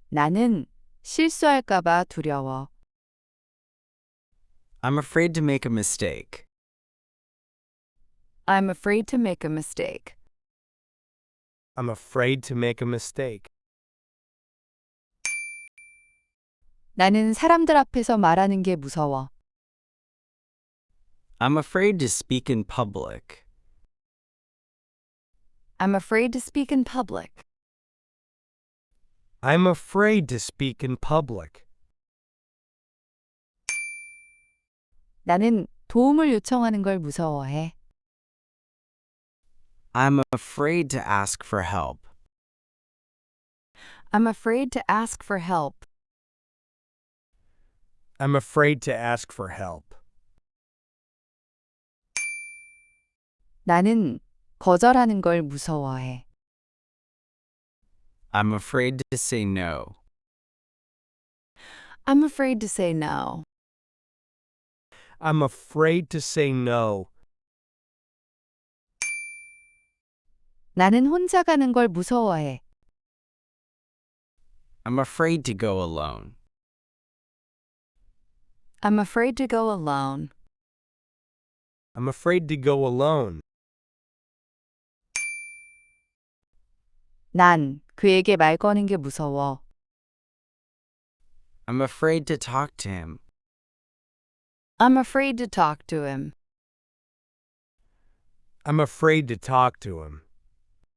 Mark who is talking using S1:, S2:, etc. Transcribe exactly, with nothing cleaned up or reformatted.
S1: 나는 실수할까 봐 두려워.
S2: I'm afraid to make a mistake.
S1: I'm afraid to make a mistake.
S3: I'm afraid to make a mistake.
S1: 나는 사람들 앞에서 말하는 게 무서워.
S2: I'm afraid to speak in public.
S1: I'm afraid to speak in public.
S3: I'm afraid to speak in public.
S1: 나는 도움을 요청하는 걸 무서워해.
S2: I'm afraid to ask for help.
S1: I'm afraid to ask for help.
S3: I'm afraid to ask for help.
S1: 나는 거절하는 걸 무서워해.
S2: I'm afraid to say no.
S1: I'm afraid to say no.
S3: I'm afraid to say no.
S1: 나는 혼자 가는 걸 무서워해.
S2: I'm afraid to go alone.
S1: I'm afraid to go alone.
S3: I'm afraid to go alone.
S1: 난 그에게 말 거는 게 무서워.
S2: I'm afraid to talk to him.
S1: I'm afraid to talk to him.
S3: I'm afraid to talk to him.